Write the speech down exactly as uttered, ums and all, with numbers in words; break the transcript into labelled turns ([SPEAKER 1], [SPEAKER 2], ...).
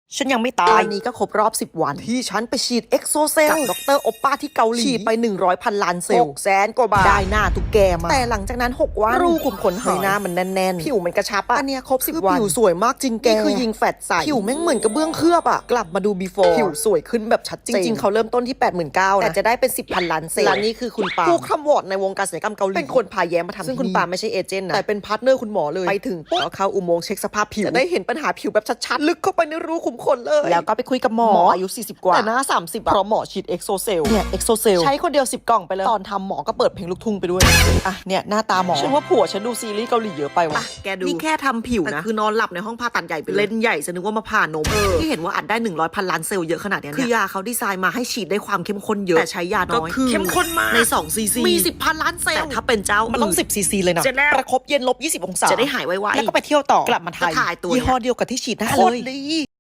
[SPEAKER 1] ฉันยังไม่ตายอันนี้ก็ครบรอบสิบวันที่ฉันไปฉีดเอ็กโซเซลกับดรโอปป้าที่เกาหลีฉีดไปหนึ่งร้อยพันล้านเซลล์แสนกว่าบาทได้หน้าตุ๊กแกมาแต่หลังจากนั้นหกวันรูขุมขนหายหน้ามันแน่นๆผิวมันกระชับอ่ะอันเนี้ยครบสิบวันผิวสวยมากจริงแกนี่คือยิงแฟตใสผิวแม่งเหมือนกระเบื้องเคลือบอ่ะกลับมาดู before ผิวสวยขึ้นแบบชัดเจนจริงๆเขาเริ่มต้นที่ แปดหมื่นเก้าพัน นะแต่จะได้เป็นสิบพันล้านเซลล์และนี่คือคุณปาผู้คร่ำวอดในวงการศัลยกรรมเกาหลีเป็นคนพาแย้มมาทำซึ่งคุณปาไม่ใช่เอเจนต์นะแต่เป็นพาร์ทเนอร์คุณหมอเลยไปถึงแล้วเข้าอุโมงค์เช็คสภาพผิวจะได้เห็นปัญหาผิวแบบชัดๆลึกเข้าไปในรูขุมขนเลยแล้วก็ไปคุยกับหมออายุสี่สิบกว่าแต่หน้าสามสิบเพราะหมอฉีดเอ็กโซเซลเนี่ยเอ็กโซเซลใช้คนเดียวสิบกล่องไปเลยตอนทำหมอก็เปิดเพลงลูกทุ่งไปด้วยอ่ะเนี่ยหน้าตาหมอฉันว่าผัวฉันดูซีรีส์เกาหลีเยอะไปว่ะแกดูนี่แค่ทำผิวนะคือนอนหลับในห้องผ่าตัดใหญ่ไปเล่นใหญ่จะนึกว่ามาผ่านมที่เห็นว่าอัดได้หนึ่งร้อยพันล้านเซลล์เยอะขนาดนี้คือยาเขาดีไซน์มาให้ฉีดได้ความเข้มข้นเยอะแต่ใช้ยาน้อยเข้มข้นมากในสองซีซีมีสิบพันล้านเซลล์แต่ถ้าเป็นเจ้ามันต้องสิบซีซีเลยนะประคบเย็นลบยี่สิบองศาจะได้หายไวๆแล้วก็ไปเที่ยวต่อกลับมาไทยยี่ห้อเดียวกับที่ฉีดหน้าเลย